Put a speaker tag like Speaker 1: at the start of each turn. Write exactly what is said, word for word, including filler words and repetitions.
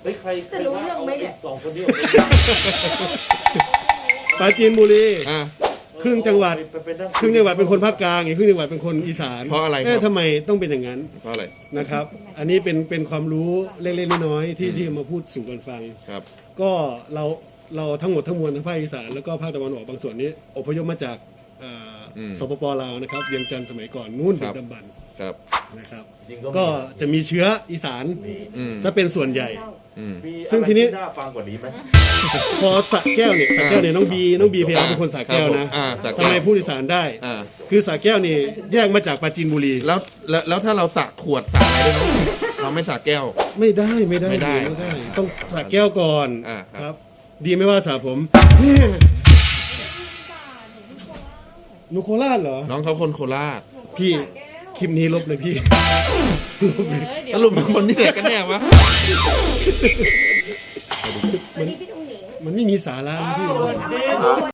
Speaker 1: ฮ้ยใครจะรู้เรื่องไหมเนี่ยสองคนนี้
Speaker 2: ปราจีนบุรี
Speaker 3: อ่า
Speaker 2: ครึ่งจังหวัดครึ่งจังหวัดเป็นคนภาคกลางอีกครึ่งจังหวัดเป็นคนอีสาน
Speaker 3: เพราะอะไรครับ
Speaker 2: เอ๊ะทำไมต้องเป็นอย่างนั้น
Speaker 3: เพราะอะไร
Speaker 2: นะครับ อันนี้เป็นเป็นความรู้เล็กๆน้อยๆที่ที่มาพูดสู่กันฟัง
Speaker 3: ครับ
Speaker 2: ก็เราเราทั้งหมดทั้งมวลทั้งภาคอีสานแล้วก็ภาคตะวันออกบางส่วนนี้อพยพมาจากอ่า
Speaker 3: อืม
Speaker 2: สปปลาวนะครับเวียงจันทร์สมัยก่อนนู่น
Speaker 3: ครั
Speaker 2: ดึ
Speaker 3: บ
Speaker 2: กดำบรรพ์
Speaker 3: ครับ
Speaker 2: นะครับ
Speaker 1: จริง
Speaker 2: ก็จะมีเชื้ออีสาน
Speaker 3: อืม
Speaker 2: จะเป็นส่วนใหญ่
Speaker 3: อืม
Speaker 2: ซึ่งทีนี้
Speaker 1: น่าฟังกว่านี้ไหม
Speaker 2: พอสระแก้วเนี่ยสระแก้วเนี่ยน้องบีน้องบีพยายามเป็นคนสระแก้วนะ
Speaker 3: อ่าสระแก้ว
Speaker 2: ทำไมพูดอีสานได้
Speaker 3: อ่า
Speaker 2: คือสระแก้วนี่แยกมาจากปราจีนบุรี
Speaker 3: แล้วแล้วแล้วถ้าเราสระขวดสระอะไรได้ไหมเราไม่สระแก้ว
Speaker 2: ไม่ได้ไม่ได้
Speaker 3: ไม่ได้
Speaker 2: ไม่ได้ ต้องสระแก้วก่อน
Speaker 3: อ่าครับ
Speaker 2: ครับ ดีไม่ว่าสระผมเนี่ยหนูโคราชเหรอ
Speaker 3: น้องเขาคนโคราช
Speaker 2: พี่คลิปนี้ลบเลยพี่ลบเลย
Speaker 3: สรุปเป็นคนที่ไหนกันแน่วะ
Speaker 2: มันไม่มีสาระนะพี่
Speaker 1: สวัสดี